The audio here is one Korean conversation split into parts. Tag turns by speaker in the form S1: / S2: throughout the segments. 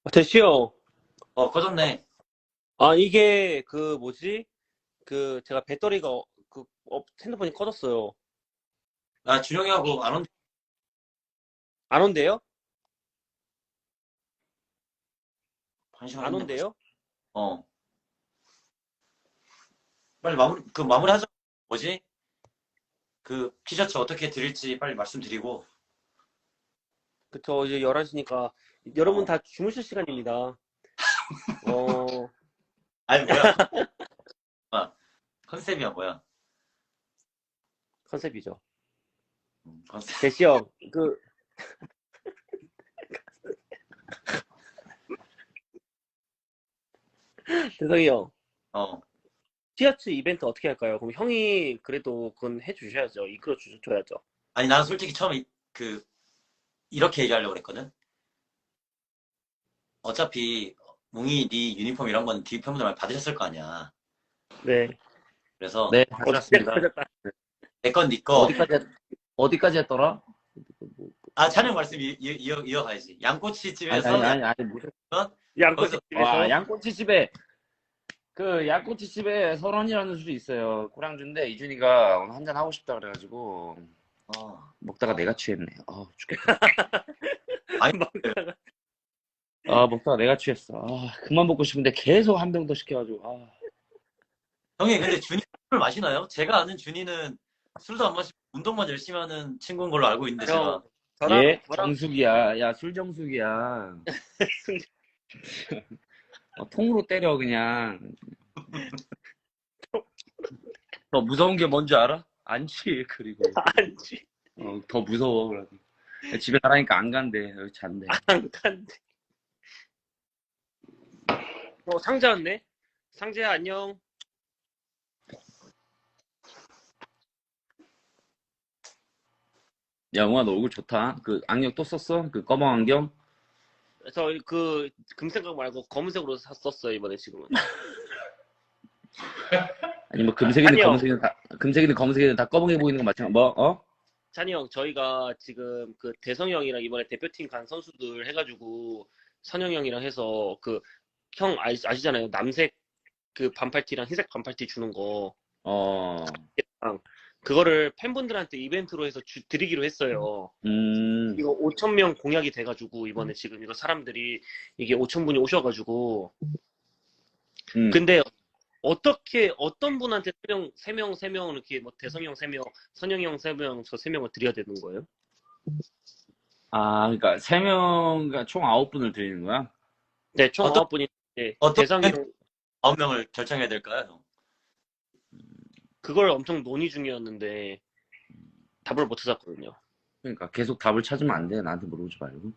S1: 대시요.
S2: 꺼졌네.
S1: 이게 그 뭐지? 그 제가 배터리가 핸드폰이 꺼졌어요.
S2: 나 준영이하고 안 온,
S1: 안 온대요?
S2: 한 시간
S1: 안
S2: 했네 벌써.
S1: 온대요?
S2: 어. 빨리 마무리하자. 뭐지? 그 티셔츠 어떻게 드릴지 빨리 말씀드리고.
S1: 그쵸. 이제 11시니까 여러분
S2: 어.
S1: 다 주무실 시간입니다. 어,
S2: 아니, 뭐야. 컨셉이야, 뭐야.
S1: 컨셉이죠.
S2: 컨셉.
S1: 대시요. 대성이 형.
S2: 어.
S1: 티셔츠 이벤트 어떻게 할까요? 그럼 형이 그래도 그건 해주셔야죠. 이끌어 주셔야죠.
S2: 아니, 나는 솔직히 처음에 이렇게 얘기하려고 그랬거든. 어차피, 뭉이 네 유니폼 이런 건 뒤 팬분들 많이 받으셨을 거 아니야.
S1: 네.
S2: 그래서,
S3: 네,
S1: 진짜
S3: 가져왔습니다.
S1: 커졌다.
S2: 내 건 네 거.
S3: 어디까지 했더라?
S2: 아, 찬영 말씀 이어가야지. 양꼬치
S3: 아니,
S2: 집에서,
S3: 무슨,
S1: 양꼬치
S2: 거기서,
S1: 집에서.
S3: 양꼬치집에 설원이라는 술이 있어요. 고량주인데, 이준이가 오늘 한잔 하고 싶다 그래가지고, 먹다가 내가 취했네. 죽겠다.
S2: 아니,
S3: 먹다가 내가 취했어. 그만 먹고 싶은데 계속 한 병 더 시켜가지고,
S2: 형님, 근데 준이 술을 마시나요? 제가 아는 준이는 술도 안 마시고 운동만 열심히 하는 친구인 걸로 알고 있는데
S1: 형,
S2: 제가
S1: 저랑
S3: 정숙이야. 야, 술 정숙이야. 통으로 때려, 그냥. 더 무서운 게 뭔지 알아? 안 취해, 그리고.
S1: 안지
S3: 더 무서워, 그래서. 집에 가라니까 안 간대. 여기 잔대.
S1: 안 간대. 상자 왔네. 상재야 안녕.
S3: 야, 웅아, 너 얼굴 좋다. 그 안경 또 썼어? 그 검은 안경?
S1: 저 금색깔 말고 검은색으로 썼어요 이번에 지금은.
S3: 아니, 뭐, 금색이든
S1: 아니요.
S3: 검은색이든 다 검은게 보이는 거 마찬가지. 뭐,
S1: 찬이 형, 저희가 지금 그 대성이 형이랑 이번에 대표팀 간 선수들 해가지고 선영 형이랑 해서 형 아시잖아요. 남색 그 반팔티랑 흰색 반팔티 주는 거.
S3: 어,
S1: 그거를 팬분들한테 이벤트로 해서 드리기로 했어요. 이거 5천 명 공약이 돼가지고 이번에 지금 이거 사람들이 이게 5천 분이 오셔가지고 근데 어떻게 어떤 분한테 세 명 이렇게 뭐 대성이 형 3명, 선영이 형 3명, 저 3명을 드려야 되는 거예요?
S3: 그러니까, 3명, 그러니까 총 9분을 드리는 거야?
S1: 네, 총
S2: 어떤
S1: 9분인데
S2: 어떤
S1: 대성이 형
S2: 9명을 결정해야 될까요, 형?
S1: 그걸 엄청 논의 중이었는데 답을 못 찾았거든요.
S3: 그러니까, 계속 답을 찾으면 안 돼. 나한테 물어보지 말고.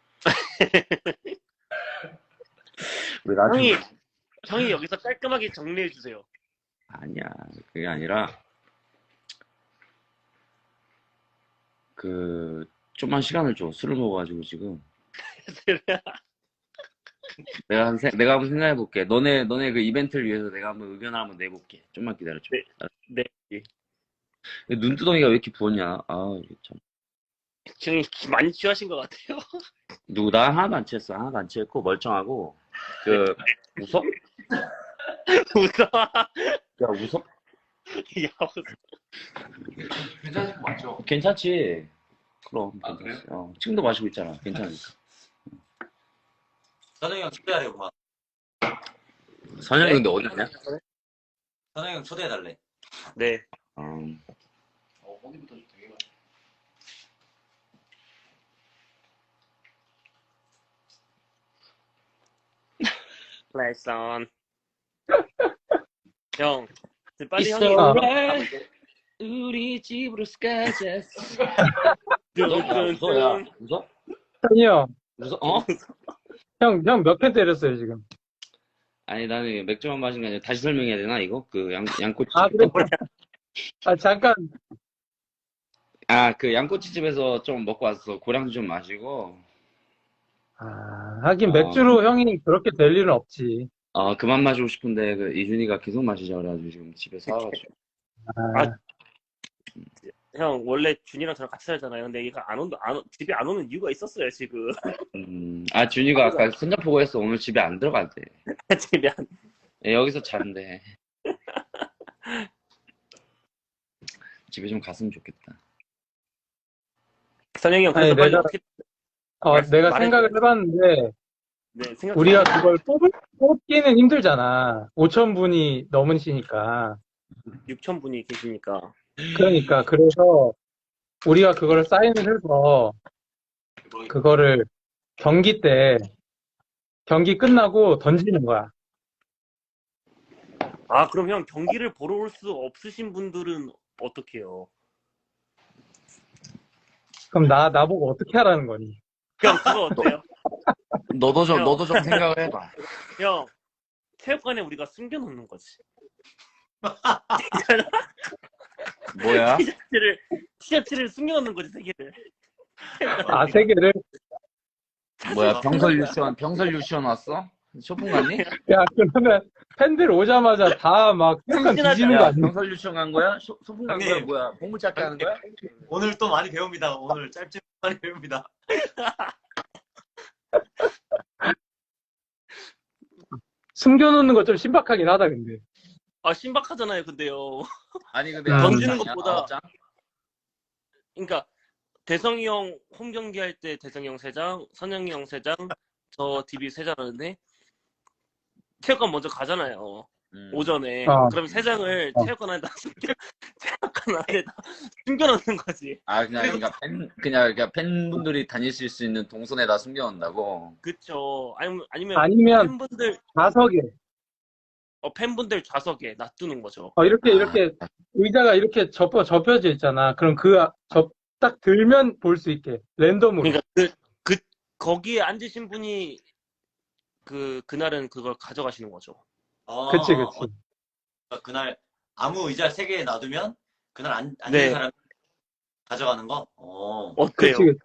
S3: 왜 나한테.
S1: 형이 여기서 깔끔하게 정리해 주세요.
S3: 아니야. 그게 아니라, 좀만 시간을 줘. 술을 먹어가지고, 지금. 내가 한번 생각해볼게. 너네 그 이벤트를 위해서 내가 한번 의견을 한번 내볼게. 좀만 기다려줘.
S1: 네, 네.
S3: 눈두덩이가 왜 이렇게 부었냐? 이게 참.
S1: 지금 많이 취하신 것 같아요.
S3: 누구, 나 하나도 안 취했어. 하나도 안 취했고, 멀쩡하고. 웃어?
S1: 웃어.
S3: 야, 웃어?
S1: 야, 웃어.
S4: 괜찮으신 거 맞죠?
S3: 괜찮지? 그럼.
S4: 아, 그래요?
S3: 지금도 마시고 있잖아. 괜찮으니까.
S2: 선영이 형 초대하려고 막.
S3: 선영이 근데 어디 있냐?
S2: 선영이 형 초대해달래.
S1: 네.
S4: 거기부터 좀 되게 많이.
S1: 레슨. 형, 빨리
S3: It's
S1: 형이
S3: alright. 우리 집으로 가자. 웃어, 야. 웃어?
S5: 찬이 형,
S3: 웃어?
S5: 형 몇 캔 때렸어요, 지금?
S3: 아니, 나는 맥주만 마신 게 아니라 다시 설명해야 되나, 이거? 양꼬치.
S5: 그래. 잠깐.
S3: 그 양꼬치집에서 좀 먹고 왔어. 고량주 좀 마시고.
S5: 하긴 맥주로 형이 그렇게 될 일은 없지.
S3: 그만 마시고 싶은데, 이준이가 계속 마시자 그래가지고 지금 집에 사와가지고.
S1: 형 원래 준이랑 저랑 같이 살잖아요. 근데 얘가 집에 안 오는 이유가 있었어요 지금.
S3: 준이가 아까 손잡고 했어. 오늘 집에 안 들어간대.
S1: 집에 안.
S3: 예, 여기서 잔대. 집에 좀 갔으면 좋겠다.
S1: 선영이 형
S5: 아니,
S1: 그래서 빨리
S5: 내가-
S1: 어떻게
S5: 내가
S1: 말해줘요.
S5: 생각을 해봤는데,
S1: 네, 생각
S5: 우리가 그걸 뽑기는 힘들잖아. 5천 분이 넘으시니까.
S1: 6천 분이 계시니까.
S5: 그러니까, 그래서 우리가 그거를 사인을 해서, 그거를 경기 때, 경기 끝나고 던지는 거야.
S1: 아, 그럼 형 경기를 보러 올 수 없으신 분들은 어떻게 해요?
S5: 그럼 나보고 어떻게 하라는 거니?
S1: 형 그거 어때요?
S3: 너도 좀
S1: 형.
S3: 생각을 해봐.
S1: 형 체육관에 우리가 숨겨놓는 거지.
S3: 뭐야?
S1: 티셔츠를 숨겨놓는 거지, 세 개를.
S5: 아, 세 개를?
S3: 뭐야? 병설 유치원 왔어? 쇼핑 갔니?
S5: 야, 그러면 팬들 오자마자 다 막 약간 뒤지는 거
S3: 야,
S5: 아니야?
S3: 병설 유치원 간 거야? 소풍 간 거야?
S2: 형님.
S3: 뭐야? 보물찾기 하는 거야?
S2: 오늘 또 많이 배웁니다. 오늘 짧지만 많이 배웁니다.
S5: 숨겨놓는 거 좀 신박하긴 하다, 근데.
S1: 아, 신박하잖아요, 근데요.
S3: 아니 근데
S5: 던지는
S3: 아홉 장이야?
S1: 것보다-
S3: 아홉 장?
S1: 그러니까 대성이 형 홈 경기 할 때 대성이 형 3장, 선영이 형 3장, 저 DB 3장 하는데 체육관 먼저 가잖아요. 오전에.
S5: 어.
S1: 그럼 3장을
S5: 어.
S1: 체육관 안에다 숨겨놓는 거지.
S3: 그냥 팬분들이 다니실 수 있는 동선에다 숨겨놓는다고.
S1: 그쵸. 아니면
S5: 아니면
S1: 팬분들
S5: 좌석에,
S1: 팬분들 좌석에 놔두는 거죠.
S5: 이렇게 의자가 이렇게 접혀져 있잖아. 그럼 딱 들면 볼 수 있게, 랜덤으로.
S1: 그러니까 거기에 앉으신 분이 그날은 그걸 가져가시는 거죠.
S5: 그치.
S2: 그날 아무 의자 3개 놔두면 그날 앉는
S1: 네.
S2: 사람 가져가는 거?
S1: 어때요?
S5: 그치.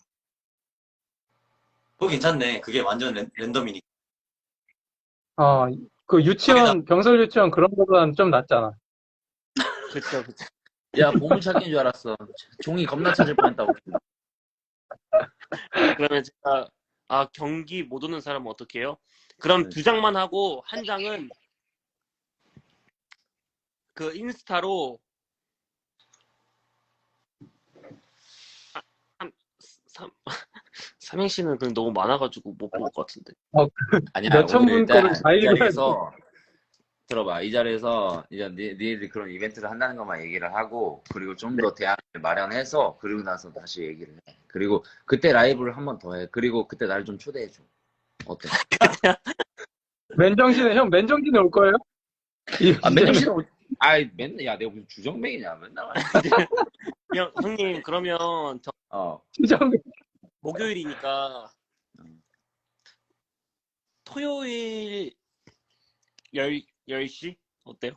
S2: 그거 괜찮네. 그게 완전 랜덤이니까.
S5: 그 유치원, 병설 유치원 그런 거보다는 좀 낫잖아.
S1: 그쵸.
S3: 야, 보물찾기인 줄 알았어. 종이 겁나 찾을 뻔했다고.
S1: 그러면 제가 경기 못 오는 사람은 어떻게 해요? 그럼 2장만 하고 한 장은 그 인스타로 삼행시는 그냥 너무 많아가지고 못 볼 것 같은데.
S3: 아니야,
S5: 몇천
S3: 우리
S5: 분
S3: 일단
S5: 거를 다
S3: 이
S5: 읽어야
S3: 자리에서 들어봐. 이 자리에서 이제 니들이 그런 이벤트를 한다는 것만 얘기를 하고, 그리고 좀 더 대안을 마련해서, 그리고 나서 다시 얘기를 해. 그리고 그때 라이브를 한 번 더 해. 그리고 그때 날 좀 초대해줘. 어때?
S5: 맨정신에 올 거예요?
S3: 맨날 야, 내가 무슨 주정뱅이냐, 맨날.
S1: 형님, 그러면 저
S5: 주정
S1: 목요일이니까 토요일 10시? 어때요?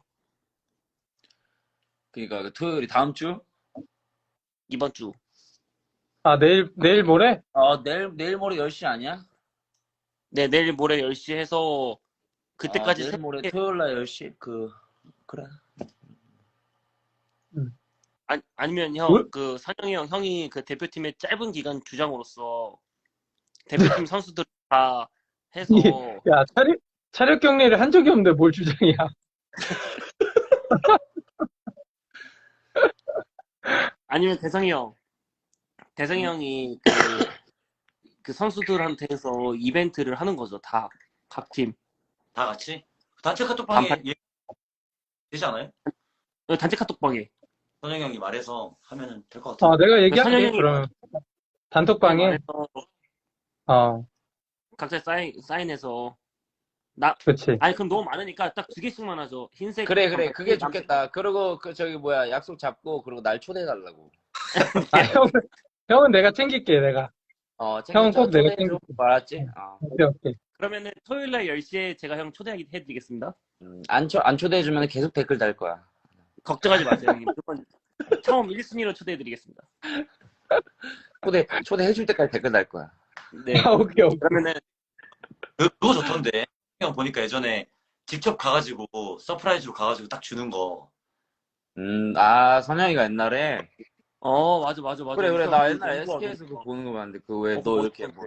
S3: 그러니까 그 토요일이 다음 주?
S1: 이번 주.
S5: 내일 모레?
S3: 내일 모레 10시 아니야?
S1: 네, 내일 모레 10시 해서 그때까지
S3: 내일 모레 토요일 날 10시? 그래.
S1: 아니면
S5: 뭘?
S1: 형, 선영이 형이 그 대표팀의 짧은 기간 주장으로서 대표팀 선수들 다 해서
S5: 야, 차력 경례를 한 적이 없는데 뭘 주장이야.
S1: 아니면 대성이 형이 그 선수들한테서 이벤트를 하는 거죠. 다 각 팀.
S2: 다 같이? 단체 카톡방에
S1: 단판.
S2: 되지 않아요?
S1: 단체 카톡방에.
S2: 선영이 형이 말해서 하면은 될 것 같아요.
S5: 내가 얘기할게,
S1: 선영이
S5: 그러면. 단톡방에?
S1: 각자 사인해서
S5: 그치.
S1: 아니 그럼 너무 많으니까 딱 2개씩만 하죠. 흰색.
S3: 그래. 그게 좋겠다. 그리고 약속 잡고, 그리고 날 초대해달라고.
S5: 형은 내가 챙길게, 내가. 형은 꼭 내가
S3: 초대해줘. 알았지?
S5: 오케이.
S1: 그러면은 토요일 날 10시에 제가 형 초대해드리겠습니다.
S3: 안 초대해주면 계속 댓글 달 거야.
S1: 걱정하지 마세요, 형님. 무조건 처음 1순위로 초대해드리겠습니다.
S3: 초대해줄 때까지 댓글 달 거야.
S1: 네.
S5: 오케이.
S1: 그러면은
S2: 그거 좋던데. 형 보니까 예전에 직접 가가지고 서프라이즈로 가가지고 딱 주는 거.
S3: 선영이가 옛날에
S1: 맞아, 맞아, 맞아.
S3: 그래, 그래.
S1: 우선
S3: 나
S1: 그
S3: 옛날에
S1: 농구가
S3: SK에서
S1: 너무
S3: 그거 보는 거 봤는데, 그 왜
S1: 좋아.
S3: 너 이렇게 뭐,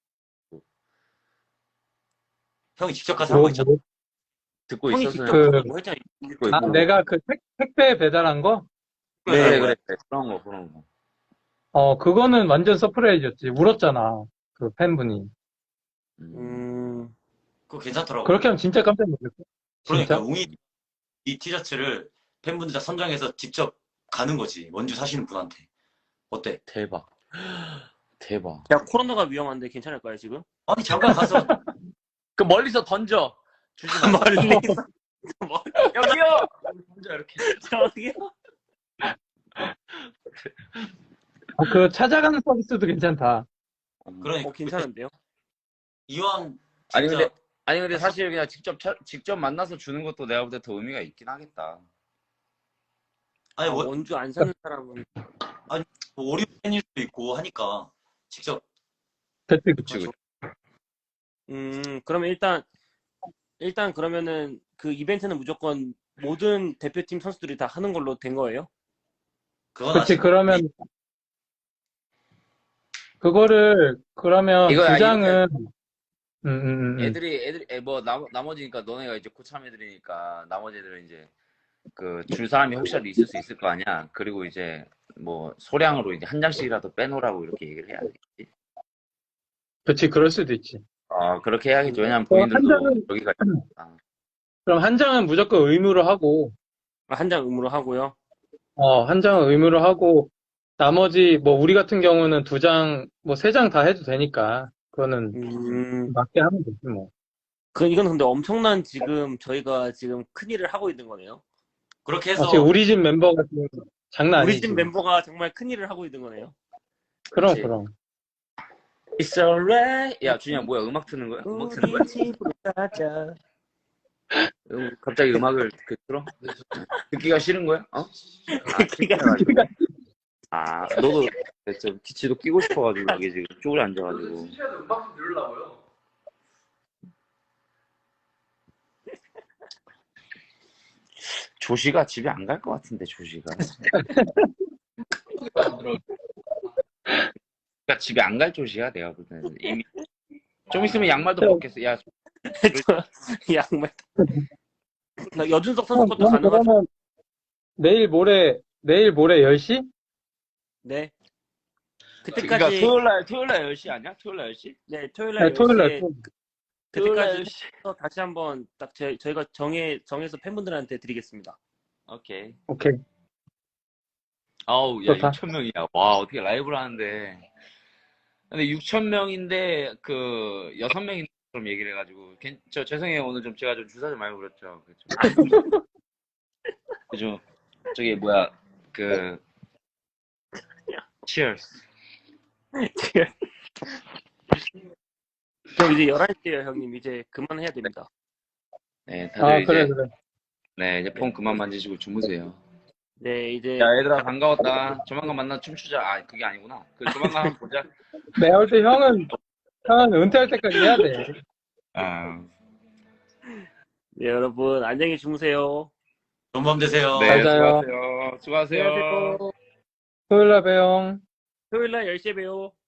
S2: 형이 직접 가서 한 거 있잖아.
S3: 듣고
S1: 형이
S3: 있었어?
S1: 직접
S5: 그,
S1: 그거 뭐 했잖아.
S3: 듣고 있고.
S5: 내가 그 택배 배달한 거?
S3: 그래,
S2: 네.
S3: 그래. 그런 거, 그런 거.
S5: 그거는 완전 서프라이즈였지. 울었잖아. 그 팬분이.
S3: 음.
S2: 그거 괜찮더라고.
S5: 그렇게 하면 진짜 깜짝 놀랐어.
S2: 그러니까
S5: 진짜?
S2: 웅이 이 티셔츠를 팬분들 다 선정해서 직접 가는 거지. 원주 사시는 분한테. 어때?
S3: 대박. 대박.
S1: 야, 코로나가 위험한데 괜찮을까요, 지금?
S2: 아니 잠깐 가서
S3: 그 멀리서 던져. 주지 마.
S1: 멀리서.
S3: 여기요! 던져, 이렇게.
S1: 저기요?
S5: 그 찾아가는 서비스도 괜찮다.
S2: 그러니까
S1: 괜찮은데요?
S2: 이왕
S3: 아니,
S2: 진짜
S3: 근데 사실 그냥 직접 만나서 주는 것도 내가 볼 때 더 의미가 있긴 하겠다.
S2: 아니 뭐,
S1: 원주 안 사는 사람은.
S2: 뭐 오리오 팬일 수도 있고 하니까 직접
S5: 그치,
S3: 그치, 그치.
S1: 그러면 일단 그러면은 그 이벤트는 무조건 모든 대표팀 선수들이 다 하는 걸로 된 거예요?
S2: 그건
S5: 그치,
S2: 아시고
S5: 그러면, 그러면
S3: 이거야,
S5: 두 장은,
S3: 뭐, 나머지니까 너네가 이제 고참 애들이니까 나머지 애들은 이제 그 줄 사람이 혹시라도 있을 수 있을 거 아니야. 그리고 이제 뭐 소량으로 이제 한 장씩이라도 빼놓으라고 이렇게 얘기를 해야겠지.
S5: 그치, 그럴 수도 있지.
S3: 그렇게 해야겠지. 왜냐면
S5: 한
S3: 본인들도
S5: 장은,
S3: 여기가 있으니까.
S5: 그럼 한 장은 무조건 의무로 하고,
S1: 한 장 의무로 하고요.
S5: 한 장은 의무로 하고, 나머지, 뭐, 우리 같은 경우는 두 장, 뭐, 세 장 다 해도 되니까, 그거는 맞게 하면 되지, 뭐.
S1: 이건 근데 엄청난 지금 저희가 지금 큰일을 하고 있는 거네요.
S2: 그렇게 해서
S5: 지금 우리 집 멤버가 지금 장난
S1: 우리
S5: 아니지.
S1: 집 멤버가 정말 큰일을 하고 있는 거네요.
S5: 그럼,
S3: 그치.
S5: 그럼.
S3: It's alright. 야, 준이야, 뭐야? 음악 트는 거야? 음악 트는 거야?
S1: 우리 집으로 가자.
S3: 갑자기 음악을 틀어? 듣기가 싫은 거야?
S1: 듣기가
S3: 너도 좀 기치도 끼고 싶어가지고 여기 지금 쪼그려 앉아가지고.
S4: 신시아도 음악 좀 들으려고요.
S3: 조시가 집에 안 갈 것 같은데, 조시가. 그러니까 집에 안 갈 조시야, 내가 볼 때는. 이미 좀 있으면 양말도 벗겠어. 야,
S1: 양말. 여준석 선수 것도 가능하죠?
S5: 그러면 내일 모레 10시?
S1: 네.
S3: 그러니까
S1: 그때까지
S3: 토요일 날 10시 아니야? 토요일 날 10시?
S1: 네, 토요일 날
S5: 네, 토요일 날.
S1: 10시에
S3: 토요일 날
S1: 그때까지
S3: 10시.
S1: 해서 다시 한번 딱 저희가 정해서 팬분들한테 드리겠습니다.
S3: 오케이.
S5: 오케이.
S3: 아우, 야,
S5: 좋다.
S3: 6,000명이야. 와, 어떻게 라이브를 하는데. 근데 6,000명인데, 6명인 것처럼 얘기를 해가지고. 죄송해요. 오늘 좀 제가 좀 주사 좀 많이 부렸죠. 그죠? 저기, 뭐야, cheers.
S1: 그럼 이제 11시에요, 형님. 이제 그만해야 됩니다.
S3: 네, 다들
S5: 그래,
S3: 이제,
S5: 그래.
S3: 네, 이제 폰 그만 만지시고 주무세요.
S1: 네, 이제
S3: 야, 얘들아, 반가웠다. 조만간 만나 춤추자. 그게 아니구나. 조만간 한번 보자.
S5: 내가 볼 때 형은 은퇴할 때까지 해야 돼.
S1: 네, 여러분 안녕히 주무세요.
S2: 좋은 밤 되세요.
S3: 네,
S5: 잘 자요.
S3: 수고하세요.
S1: 안녕하세요.
S5: 토요일 날 봬요.
S1: 토요일 날 10시에 봬요.